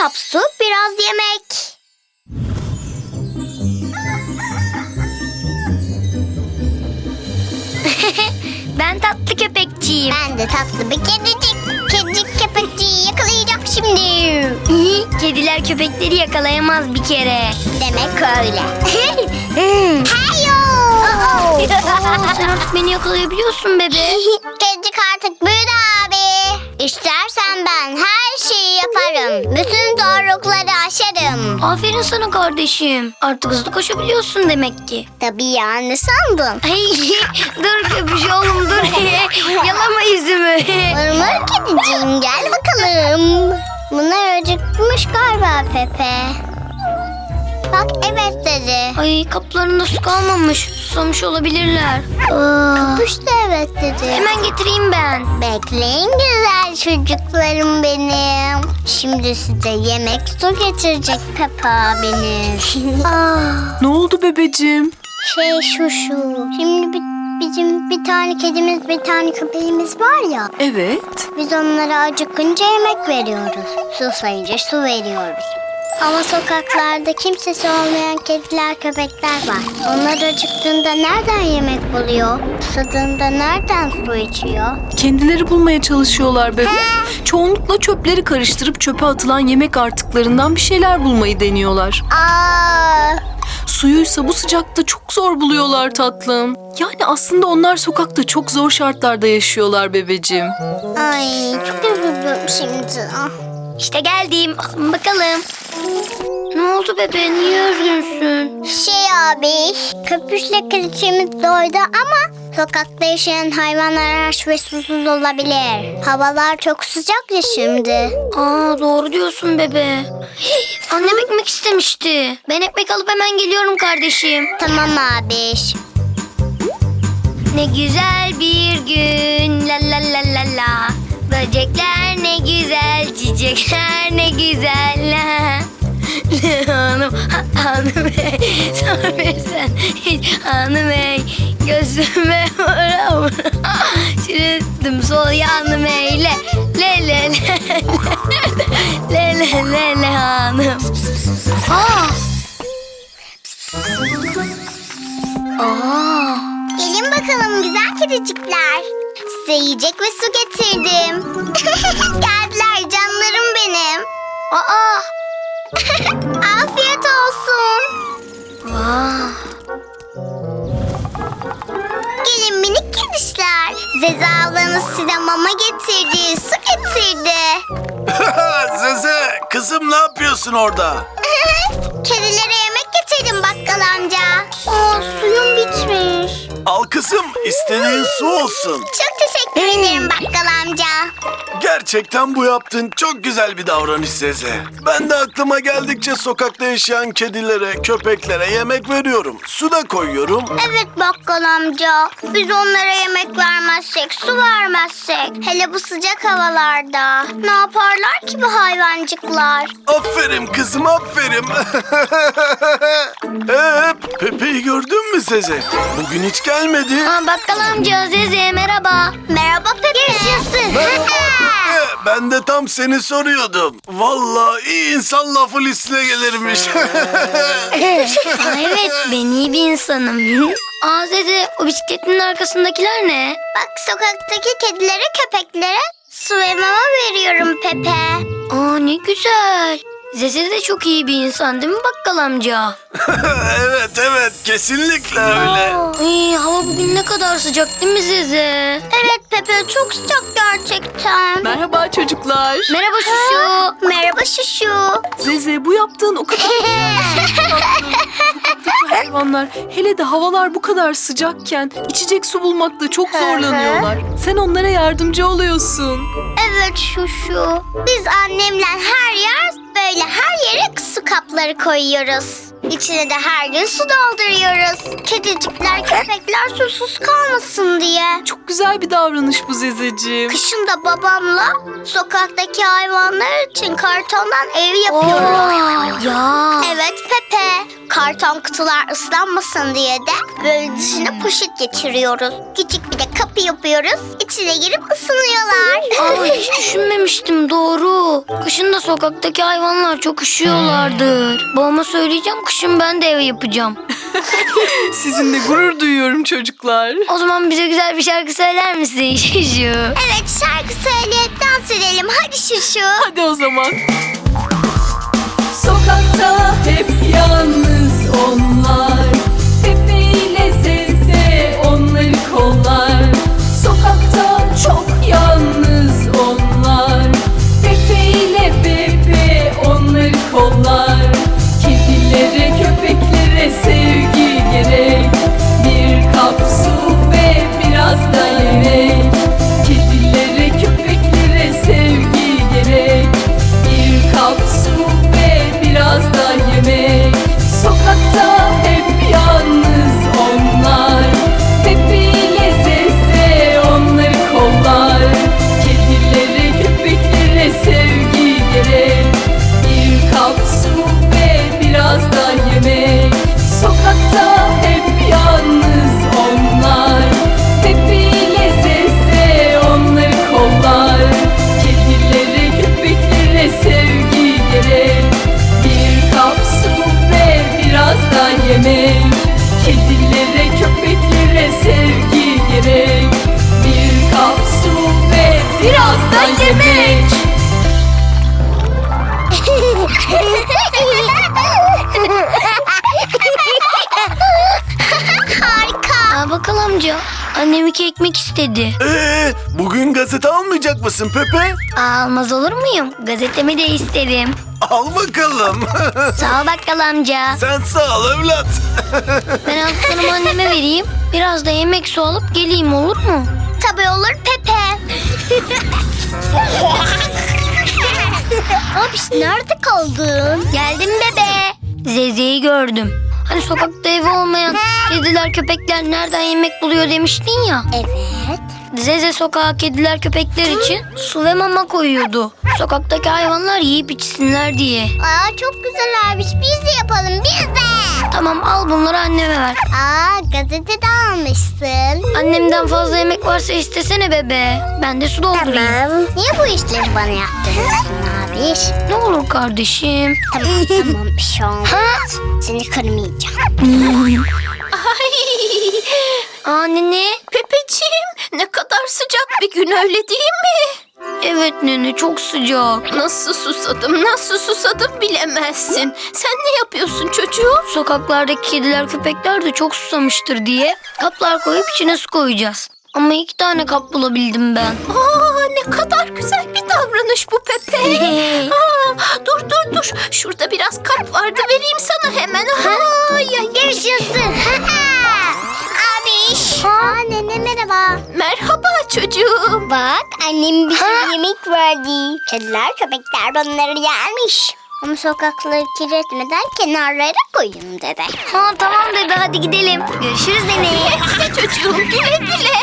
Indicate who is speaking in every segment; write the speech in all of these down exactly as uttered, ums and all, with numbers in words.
Speaker 1: kap su, biraz yemek. Ben tatlı köpekçiyim.
Speaker 2: Ben de tatlı bir kedicik. Kedicik köpekçiyi yakalayacak şimdi.
Speaker 1: Kediler köpekleri yakalayamaz bir kere.
Speaker 2: Demek öyle.
Speaker 1: Hmm.
Speaker 2: Heyo!
Speaker 1: Aa, sen artık beni yakalayabiliyorsun bebe.
Speaker 2: Kedicik artık büyüdü abi. İstersen ben her şeyi yaparım. Bütün zorlukları aşarım.
Speaker 1: Aferin sana kardeşim. Artık hızlı koşabiliyorsun demek ki.
Speaker 2: Tabii ya, ne sandın?
Speaker 1: Ay, dur köpüş oğlum dur. Yalama yüzümü.
Speaker 2: Mırmır kediciğim, gel bakalım. Bunlar acıkmış galiba Pepe. Bak evet dedi.
Speaker 1: Ay kaplarında su kalmamış. Susamış olabilirler.
Speaker 2: Kuş da evet dedi.
Speaker 1: Hemen getireyim ben.
Speaker 2: Bekleyin güzel çocuklarım benim. Şimdi size yemek su getirecek Pepe abiniz.
Speaker 3: Ne oldu bebeciğim?
Speaker 2: Şey şu şu. Şimdi bi- bizim bir tane kedimiz, bir tane köpeğimiz var ya.
Speaker 3: Evet.
Speaker 2: Biz onlara acıkınca yemek veriyoruz. Susayınca su veriyoruz. Ama sokaklarda kimsesi olmayan kediler, köpekler var. Onlar acıktığında nereden yemek buluyor? Susadığında nereden su içiyor?
Speaker 3: Kendileri bulmaya çalışıyorlar bebe. Çoğunlukla çöpleri karıştırıp çöpe atılan yemek artıklarından bir şeyler bulmayı deniyorlar.
Speaker 2: Aa,
Speaker 3: Suyuysa bu sıcakta çok zor buluyorlar tatlım. Yani aslında onlar sokakta çok zor şartlarda yaşıyorlar bebeciğim.
Speaker 2: ay çok üzüldüm şimdi. Ah.
Speaker 1: İşte geldim. Alın bakalım. Ne oldu bebe? Niye üzgünsün?
Speaker 2: Şey abi, köpüşle kraliçemiz doydu ama sokakta yaşayan hayvanlar aç ve susuz olabilir. Havalar çok sıcak ya şimdi.
Speaker 1: Aa doğru diyorsun bebe. Annem ekmek istemişti. Ben ekmek alıp hemen geliyorum kardeşim.
Speaker 2: Tamam abi.
Speaker 1: Ne güzel bir gün la la la la la. Böcekler ne güzel, çiçekler ne güzel la. Hanım, ha- hanım ey, sor versen hiç hanım ey. Gözüme vura vura, çürüttüm sol yanım ey. Le le le le le le le le hanım. Aa! Aa!
Speaker 2: Gelin bakalım güzel kedicikler. Size yiyecek ve su getirdim. Geldiler canlarım benim.
Speaker 1: Aa!
Speaker 2: Afiyet olsun.
Speaker 1: Vah!
Speaker 2: Gelin minik kedişler. Zeze ablanız size mama getirdi, su getirdi.
Speaker 4: Zeze, kızım ne yapıyorsun orada?
Speaker 2: Kedilere yemek getirdim bakkal amca. Aa, suyum bitmiş.
Speaker 4: Al kızım, istediğin su olsun.
Speaker 2: Çok teşekkür ederim bakkal amca.
Speaker 4: Gerçekten bu yaptığın çok güzel bir davranış Zeze. Ben de aklıma geldikçe sokakta yaşayan kedilere, köpeklere yemek veriyorum. Su da koyuyorum.
Speaker 2: Evet bakkal amca. Biz onlara yemek vermezsek, su vermezsek, hele bu sıcak havalarda ne yaparlar ki bu hayvancıklar?
Speaker 4: Aferin kızım, aferin. Ee, Pepe'yi gördün mü Zeze? Bugün hiç gelmedi.
Speaker 1: Aa, bakkal amca Zeze merhaba.
Speaker 2: Merhaba Pepe. Yaşasın.
Speaker 4: Merhaba Pepe, ben de tam seni soruyordum. Vallahi iyi insan lafı listine gelirmiş.
Speaker 1: Aa, evet ben iyi bir insanım. Aa Zeze o bisikletinin arkasındakiler ne?
Speaker 2: Bak sokaktaki kedilere, köpeklere su ve mama veriyorum Pepe.
Speaker 1: Aa ne güzel. Zeze de çok iyi bir insan değil mi bakkal amca?
Speaker 4: Evet evet, kesinlikle öyle.
Speaker 1: Ay, hava bugün ne kadar sıcak değil mi Zeze?
Speaker 2: Evet Pepe, çok sıcak gerçekten.
Speaker 3: Merhaba çocuklar.
Speaker 1: Merhaba Şuşu.
Speaker 2: Merhaba Şuşu.
Speaker 3: Zeze bu yaptığın o kadar hayvanlar. Hele de havalar bu kadar sıcakken içecek su bulmakta çok zorlanıyorlar. Sen onlara yardımcı oluyorsun.
Speaker 2: Evet Şuşu. Biz annemle her yer böyle her yere su kapları koyuyoruz. İçine de her gün su dolduruyoruz. Kedicikler, köpekler susuz kalmasın diye.
Speaker 3: Çok güzel bir davranış bu Zezeciğim.
Speaker 2: Kışın da babamla sokaktaki hayvanlar için kartondan ev yapıyoruz.
Speaker 1: Aa, ya.
Speaker 2: Evet Pepe. Karton kutular ıslanmasın diye de böyle dışına poşet geçiriyoruz. Küçük bir de kapı yapıyoruz. İçine girip ısınıyorlar.
Speaker 1: Aa, hiç düşünmemiştim, doğru. Kışın da sokaktaki hayvanlar çok üşüyorlardır. Babama söyleyeceğim, kışın ben de ev yapacağım.
Speaker 3: Sizinle gurur duyuyorum çocuklar.
Speaker 1: O zaman bize güzel bir şarkı söyler misin Şuşu?
Speaker 2: Evet, şarkı söyleyip dans edelim. Hadi Şuşu.
Speaker 3: Hadi o zaman. Sokakta hep yalnız onlar, Pepe ile Zeze onları kollar. Sokakta çok yalnız onlar, Pepe ile Bebe onları kollar. Kedilere köpeklere sevgi gerek, bir kap su ve biraz da yemek. Kedilere köpeklere sevgi gerek, bir kap su ve biraz da yemek. Sokakta hep yalnız onlar, Pepe ile Zeze onları kollar. Kedilere köpeklere sevgi gerek, bir kap su ve biraz da yemek. Sokakta hep yalnız onlar, Pepe ile Zeze onları kollar. Kedilere köpeklere sevgi gerek, bir kap su ve biraz da yemek. Kedilere köpeklere sevgi gerek, bir kap su ve biraz da yemek.
Speaker 2: Harika.
Speaker 1: Aa, bakkal amca, annem iki ekmek istedi.
Speaker 4: Ee, bugün gazete almayacak mısın Pepe?
Speaker 1: Aa, almaz olur muyum? Gazetemi de isterim.
Speaker 4: Al bakalım.
Speaker 1: Sağ ol bakkal amca.
Speaker 4: Sen sağ ol evlat.
Speaker 1: Ben aldıklarımı anneme vereyim. Biraz da yemek su alıp geleyim, olur mu?
Speaker 2: Tabii olur Pepe. Abiş, nerede kaldın?
Speaker 1: Geldim bebe. Zeze'yi gördüm. Hani sokakta evi olmayan kediler köpekler nereden yemek buluyor demiştin ya.
Speaker 2: Evet.
Speaker 1: Zeze sokağa kediler köpekler için su ve mama koyuyordu. Sokaktaki hayvanlar yiyip içsinler diye.
Speaker 2: Aa, çok güzel abiş. Biz de yapalım, biz de.
Speaker 1: Tamam, al bunları anneme ver.
Speaker 2: Aa, gazete de almışsın.
Speaker 1: Annemden fazla yemek varsa istesene bebe. Ben de su doldurayım.
Speaker 2: Tamam. Niye bu işleri bana yaptırıyorsun abiş?
Speaker 1: Ne olur kardeşim.
Speaker 2: Tamam tamam, bir şey olmaz. Seni kırmayacağım.
Speaker 1: Aa nene.
Speaker 5: Pepeciğim, ne kadar sıcak bir gün, öyle değil mi?
Speaker 1: Evet nene, çok sıcak.
Speaker 5: Nasıl susadım, nasıl susadım bilemezsin. Sen ne yapıyorsun çocuğum?
Speaker 1: Sokaklardaki kediler köpekler de çok susamıştır diye kaplar koyup içine su koyacağız. Ama iki tane kap bulabildim ben.
Speaker 5: Aa, ne kadar güzel bir davranış bu Pepe. Aa, dur dur dur, şurada biraz kap vardı, vereyim sana hemen. Aa, ya,
Speaker 2: Yaşasın. Abiş. Aa, nene merhaba.
Speaker 5: merhaba çocuğum.
Speaker 2: Bak, annem bize yemek verdi. Kediler köpekler bunları yermiş. Ama sokakları kirletmeden kenarlara koyun dedi.
Speaker 1: Ha tamam bebe, hadi gidelim. Görüşürüz nene.
Speaker 5: Güle çocuğum, güle güle.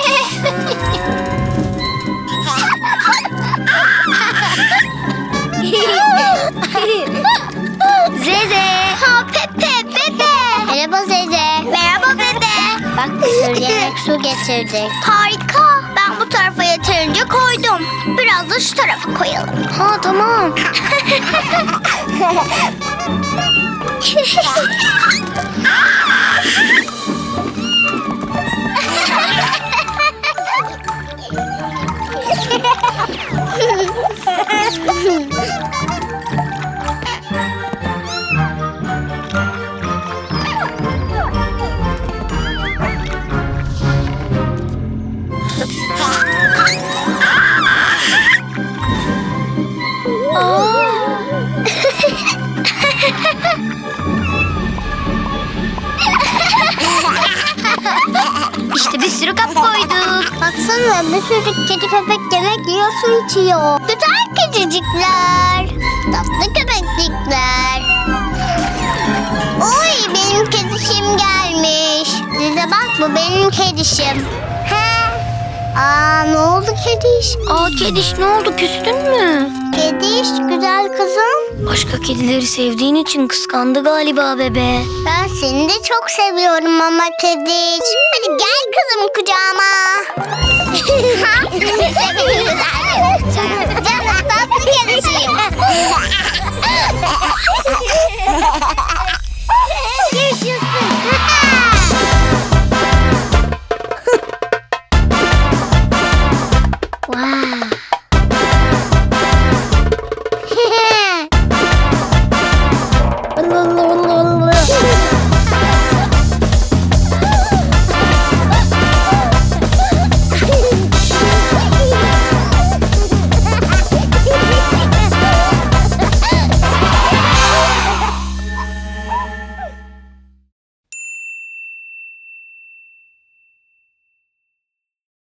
Speaker 1: Zeze.
Speaker 2: Ha, Pepe, Pepe. Merhaba Zeze. Merhaba Pepe. Bak, bir sürü yemek su getirdik. Harika. Ben bu tarafa yeterince koydum. Biraz da şu tarafa koyalım.
Speaker 1: Ha tamam. İşte bir sürü kap koyduk.
Speaker 2: Baksana, bir sürü kedi köpek yemek yiyor, su içiyor. Güzel kedicikler. Tatlı köpeklikler. Oy, benim kedişim gelmiş. Size bak, bu benim kedişim. He. Aa, ne oldu Kediş?
Speaker 1: Aa Kediş, ne oldu, küstün mü?
Speaker 2: Kediş, güzel kızım.
Speaker 1: Başka kedileri sevdiğin için kıskandı galiba bebe.
Speaker 2: Ben seni de çok seviyorum ama Kediş. Hadi gel kızım